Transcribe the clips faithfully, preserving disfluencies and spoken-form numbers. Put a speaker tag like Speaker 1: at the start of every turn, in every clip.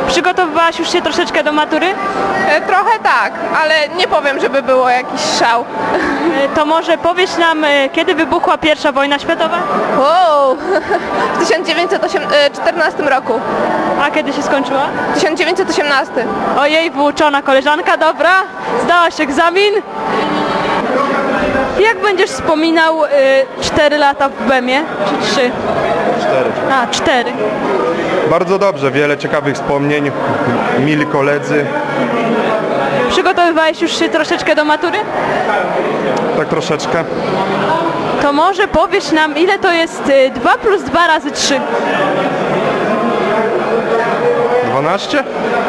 Speaker 1: Przygotowywałaś już się troszeczkę do matury?
Speaker 2: E, Trochę tak, ale nie powiem, żeby było jakiś szał.
Speaker 1: E, To może powiedz nam, e, kiedy wybuchła pierwsza wojna światowa?
Speaker 2: Wow. W tysiąc dziewięćset czternastym roku.
Speaker 1: A kiedy się skończyła?
Speaker 2: tysiąc dziewięćset osiemnastym.
Speaker 1: Ojej, wyuczona koleżanka, dobra. Zdałaś egzamin. Jak będziesz wspominał y, cztery lata w BEM-ie? Czy trzy?
Speaker 3: Cztery.
Speaker 1: A, cztery.
Speaker 3: Bardzo dobrze, wiele ciekawych wspomnień, mili koledzy,
Speaker 1: Przygotowywałeś już się troszeczkę do matury?
Speaker 3: tak troszeczkę.
Speaker 1: To może powiesz nam, ile to jest y, dwa plus dwa razy trzy?
Speaker 3: dwanaście?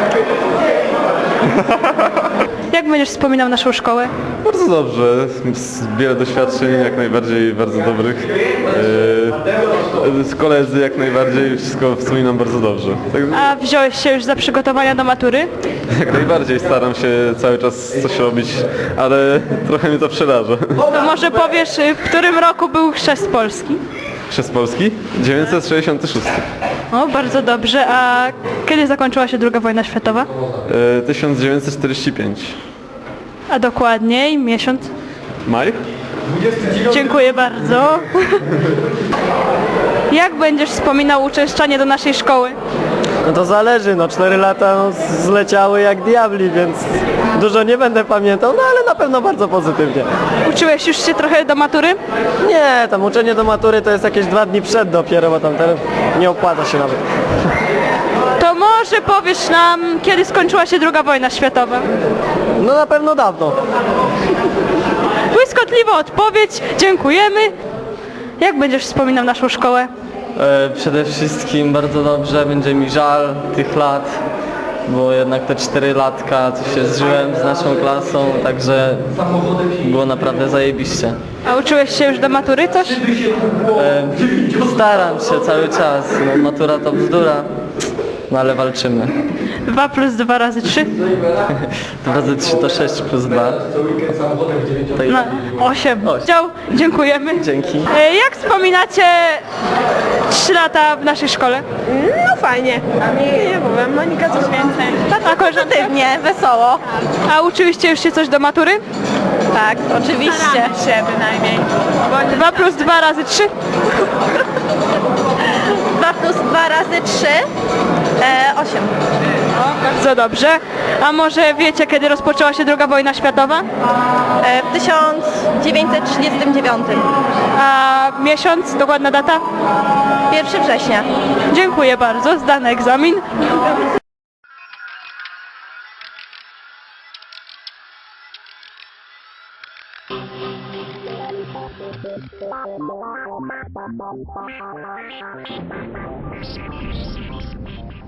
Speaker 4: Jak będziesz wspominał naszą szkołę?
Speaker 5: Bardzo dobrze, z- wiele doświadczeń, jak najbardziej bardzo dobrych. Yy, z koledzy jak najbardziej, wszystko wspominam bardzo dobrze. Tak,
Speaker 4: A wziąłeś się już za przygotowania do matury?
Speaker 5: jak najbardziej staram się cały czas coś robić, ale trochę mnie to przeraża.
Speaker 4: To może powiesz, y, w którym roku był chrzest Polski?
Speaker 5: Chrzest Polski? dziewięćset sześćdziesiąty szósty.
Speaker 4: O, bardzo dobrze. A kiedy zakończyła się druga wojna światowa?
Speaker 5: Yy, tysiąc dziewięćset czterdziesty piąty.
Speaker 4: A dokładniej miesiąc?
Speaker 5: Maj?
Speaker 4: Dziękuję bardzo. Jak będziesz wspominał uczęszczanie do naszej szkoły?
Speaker 6: No to zależy, no cztery lata no, zleciały jak diabli, więc dużo nie będę pamiętał, no ale na pewno bardzo pozytywnie.
Speaker 4: Uczyłeś już się trochę do matury?
Speaker 6: Nie, tam uczenie do matury to jest jakieś dwa dni przed dopiero, bo tam teraz nie opłaca się nawet.
Speaker 4: To może powiesz nam, kiedy skończyła się druga wojna światowa?
Speaker 6: No na pewno dawno.
Speaker 4: Błyskotliwa odpowiedź, dziękujemy. Jak będziesz wspominał naszą szkołę?
Speaker 7: E, Przede wszystkim bardzo dobrze, będzie mi żal tych lat, bo jednak te cztery latka to się zżyłem z naszą klasą, także było naprawdę zajebiście.
Speaker 4: A uczyłeś się już do matury coś?
Speaker 7: E, Staram się cały czas, no, matura to bzdura, no ale walczymy.
Speaker 4: Dwa plus dwa razy trzy?
Speaker 7: dwa razy trzy to sześć plus dwa. Tak,
Speaker 4: No, osiem.
Speaker 7: Osiem.
Speaker 4: Dział, dziękujemy.
Speaker 7: Dzięki.
Speaker 4: E, Jak wspominacie trzy lata w naszej szkole?
Speaker 2: No fajnie. Nie powiem, Monika coś więcej.
Speaker 4: A koleżanka?
Speaker 2: Pozytywnie, wesoło.
Speaker 4: A uczyliście już się coś do matury?
Speaker 2: Tak, oczywiście. się bynajmniej.
Speaker 4: Dwa plus dwa razy trzy?
Speaker 2: dwa plus dwa razy trzy, osiem.
Speaker 4: O, bardzo dobrze. A może wiecie, kiedy rozpoczęła się druga wojna światowa?
Speaker 2: W tysiąc dziewięćset trzydziestym dziewiątym.
Speaker 4: A miesiąc, dokładna data?
Speaker 2: pierwszego września.
Speaker 4: Dziękuję bardzo, zdany egzamin.
Speaker 8: Thank you.